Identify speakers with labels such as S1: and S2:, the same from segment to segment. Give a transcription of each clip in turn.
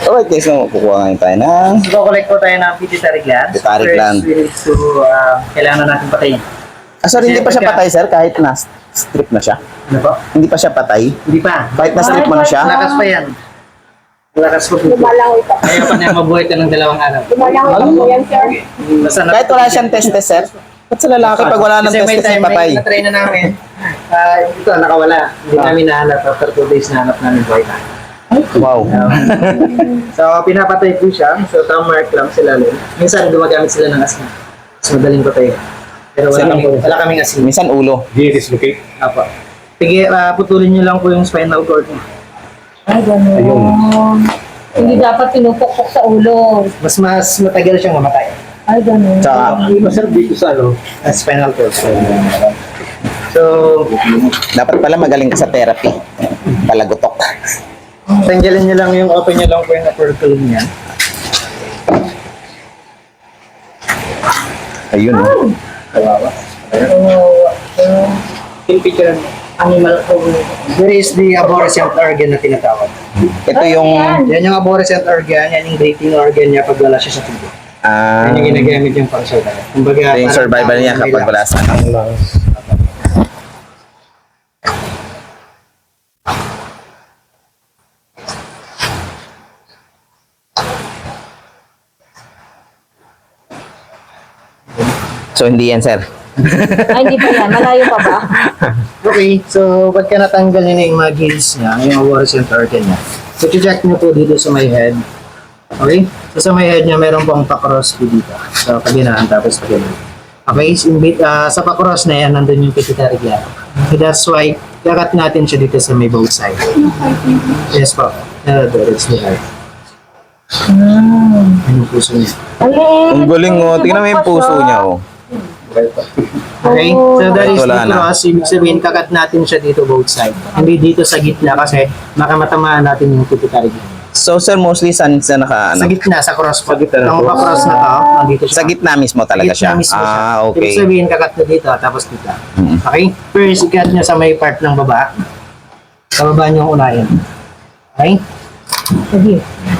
S1: Alright guys, so kukuha ngayon tayo ng
S2: So, collect po tayo ng pituitary gland.
S1: Pituitary
S2: First,
S1: gland.
S2: we need to, kailangan na natin patayin.
S1: sorry, hindi pa siya patay sir, kahit na strip na siya.
S2: Ano po?
S1: Hindi pa siya patay.
S2: Hindi pa.
S1: Kahit na strip mo na siya.
S2: Lakas pa yan. Lakas pa po.
S3: Lumalangoy pa.
S2: Kaya pa niya mabuhay ka ng 2 araw.
S3: Lumalangoy pa po yan, sir.
S2: Basta
S1: Kahit wala siyang testes sir. Ba't sa lalaki pag wala ng
S2: Kasi may
S1: testes
S2: time,
S1: ay patay?
S2: may na-try na namin. Ito, nakawala. Hindi namin nahanap. After 2 days, nahanap namin buhay na.
S1: Wow.
S2: So, pinapatay po siya. So, thumb mark lang sila. Minsan, gumagamit sila ng asin. Mas madaling patay. Pero wala kaming asin.
S1: Minsan ulo.
S4: Dislocate.
S2: Apo. Sige, putulin niyo lang po yung spinal cord niya.
S3: Ay, gano'n. Hindi dapat pinupukpok sa ulo.
S2: Mas matagal siyang mamatay.
S3: Ay, gano'n.
S1: Tsaka,
S4: Masarap dito sa
S2: Spinal cord. So,
S1: dapat pala magaling ka sa therapy. Palagutok.
S2: tanggalin niyo lang yung open niyo lang po yung upper column niya.
S1: Ayun oh.
S2: Kawawa. Yung picture animal there is the arborescent organ na tinatawag.
S1: Ito yung
S2: Yan yung arborescent organ, yan yung breathing organ niya pag wala siya sa tubo. Yan yung ginagamit yung pang-survival. Kumbaga,
S1: ito yung
S2: parang
S1: survival niya
S2: tao
S1: kapag
S2: may
S1: wala sa So hindi yan sir.
S3: Ay, hindi pa yan. Malayo pa ba?
S2: Okay, so pagka natanggal niya na yung mga gills niya, yung arborescent organ niya, so check niyo po dito sa my head. Okay? So sa my head niya, meron pong pa-cross po dito. So kaginaan, tapos kaginaan. Okay, sa pa-cross na yan, nandun yung pituitary gland. So that's why, kakat natin siya dito sa may both side. Yes po. It's the heart. Yung puso niya.
S1: Ang galing oh. Tingnan mo yung puso niya oh.
S2: Okay? So that is the
S1: Wala na.
S2: cross. Ibig sabihin, kakat natin siya dito both side. Hindi dito sa gitna kasi makamatamaan natin yung pituitary gland.
S1: So sir, mostly saan sa naka
S2: Sa
S1: ano?
S2: gitna, sa cross po.
S4: Sa gitna na
S2: Ang
S4: po.
S2: pa-cross na to, nandito siya.
S1: Sa gitna mismo talaga
S2: Gitna
S1: siya.
S2: mismo siya.
S1: Ah,
S2: Ibig
S1: okay.
S2: sabihin, kakat na dito, tapos dito.
S1: Mm.
S2: Okay? First, ikat niya sa may part ng baba. Sa baba niyo unahin. Okay?
S3: Sige.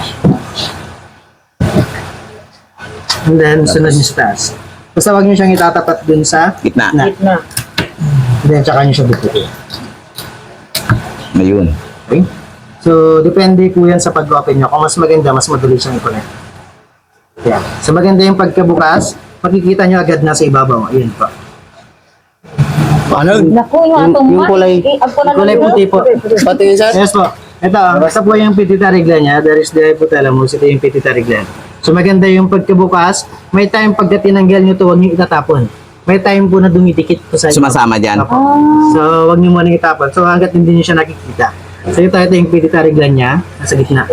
S2: And then, sunod niyo sa taas. Basta huwag niyo siyang itatapat dun sa
S1: Gitna.
S3: Gitna.
S2: And then, tsaka niyo siya bukutin.
S1: Ayun.
S2: Okay? So, depende po yan sa pag-open nyo. Kung mas maganda, mas madali siyang i-connect. Yeah. So, maganda yung pagkabukas, makikita nyo agad na sa ibabaw. Ayan po.
S4: Ano?
S3: Naku, yung atong
S4: yung kulay-
S2: Kulay puti po.
S4: Pati yun sir?
S2: Yes po. Ito, basta po yung pituitary gland niya. There is the hypothalamus. Ito yung pituitary gland. So, maganda yung pagkabukas. May time pagka tinanggal nyo ito, huwag nyo itatapon. May time po na dumidikit po sa inyo.
S1: Sumasama dyan.
S2: Opo. So, huwag nyo muna itapon. So, hanggat hindi nyo siya nakikita. So, ito yung pituitary gland niya. Nasa gitna.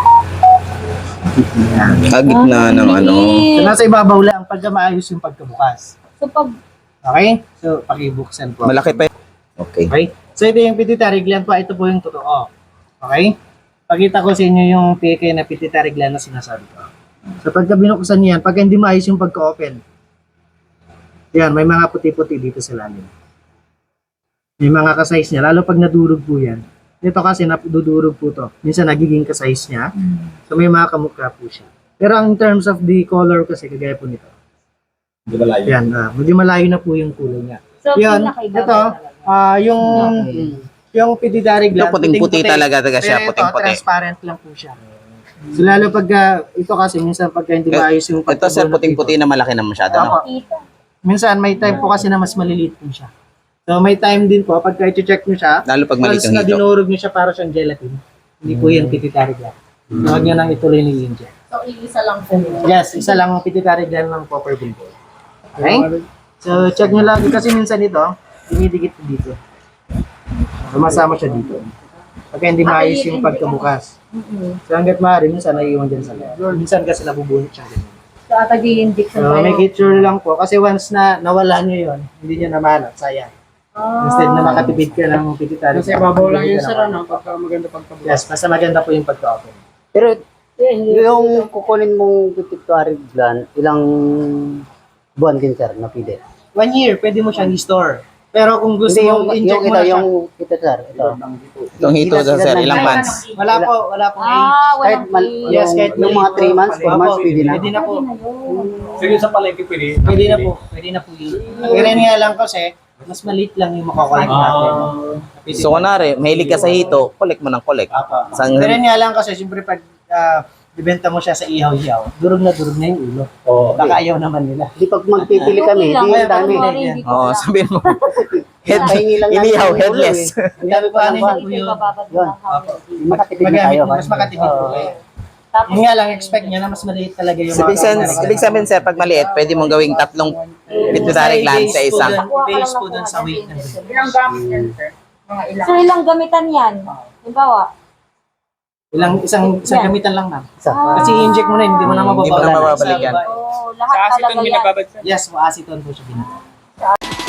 S1: Ah, gitna ng ano.
S2: So, nasa ibabaw lang pagka maayos yung pagkabukas.
S3: So, pag
S2: Okay? So, pakibuksan po.
S1: Malaki pa yun. Okay.
S2: Okay? So, ito yung pituitary gland po. Ito po yung totoo. Okay? Pakita ko sa inyo yung peke na pituitary gland na sinasabi ko. So, pagka binuksan niyan, pagka hindi maayos yung pagka-open, yan, may mga puti-puti dito sa lalim. May mga ka-size niya. Lalo pag nadurog po yan. Ito kasi nadudurog po to. Minsan nagiging ka-size niya. So, may mga kamukha po siya. Pero in terms of the color kasi, kagaya po nito.
S4: Hindi malayo.
S2: Yan, medyo malayo na po yung kulay niya.
S3: so,
S2: Yan,
S3: pinakaibabaw
S2: ito,
S3: talaga.
S2: yung pituitary gland.
S1: Ito puting-puti talaga siya,
S2: Pero
S1: puting-puti.
S2: ito, transparent lang po siya. So, lalo pagka, ito kasi, minsan pagka hindi maayos yung
S1: Ito sir, puting-puti na malaki na masyado. No?
S2: Opo.
S3: Kita.
S2: Minsan, may time po kasi na mas maliliit po siya. So, may time din po, pagka i-check nyo siya,
S1: Lalo pag
S2: once
S1: malitong
S2: na
S1: hito.
S2: dinurog nyo siya para siyang gelatin, hindi po yan pituitary gland. Huwag nyo nang ituloy ng inject.
S3: So, iisa lang po.
S2: Yes, isa lang ang pituitary gland ng proper bimbo. Okay? So, check nyo lagi kasi minsan ito, dinidikit po dito. Sumasama siya dito. Pagka hindi maayos yung pagkabukas. So, hanggat maaari, minsan naiiwan dyan sa loob. Minsan kasi nabubunot siya din.
S3: So, atag-i-indik
S2: So, make it sure lang po. Kasi once na nawala nyo yun, hindi nyo naman sayang. Instead na makatipid ka ng pituitary.
S5: Kasi babaw lang yun sir, ano, pagka maganda pagkabukas.
S2: Yes, basta maganda po yung pagka-open.
S5: Pero yung kukunin mong pituitary gland, ilang buwan din sir na pwede?
S2: 1 year, pwede mo siyang i-store. Pero kung gusto
S5: Hindi,
S2: mong inject mo na siya,
S5: ito, sir. Ito.
S1: Itong hito daw, sir, ilang months?
S2: wala po age.
S5: Kahit,
S2: Yes, kahit
S5: yung mga 3 months, 4 months, pwede na.
S2: Pwede na po.
S4: Sige, sa palengke pwede.
S2: Pwede na po. Pwede na po yun. Ang ganyan nga lang kasi, mas maliit lang yung makokollect natin.
S1: So, kunwari, mahilig ka sa hito, collect mo ng collect. Sang,
S2: Ganyan nga lang kasi, siyempre pag ibenta mo siya sa ihaw-ihaw, durog na yung ulo.
S4: Oo.
S2: Baka ayaw naman nila.
S5: Di pag magpipili kami, di ang dami.
S1: Oo, sabihin mo. Head,
S5: Pahingi lang natin
S1: inihaw,
S5: ng ulo,
S1: headless.
S5: eh. Ang dami pa ng bag.
S2: po yun.
S5: Yun. Makatipid na tayo.
S2: Magamit, mas makatipid po kayo. Yun nga lang, expect niya na mas maliit talaga yung
S1: Ibig sabihin, sir, pag maliit, pwede mong gawing 3 pituitary gland sa isa.
S2: Base po dun sa weight ng
S3: Ilang gamit yan, sir? Mga ilang. So, ilang gamitan yan? Halimbawa,
S2: isang gamitan lang na.
S5: Isa.
S2: Kasi i-inject mo na, hindi mo na
S1: Hindi mo na
S2: mababalik.
S1: mababalikan.
S3: lahat talaga yan.
S2: Yes, acetone po siya binabalik.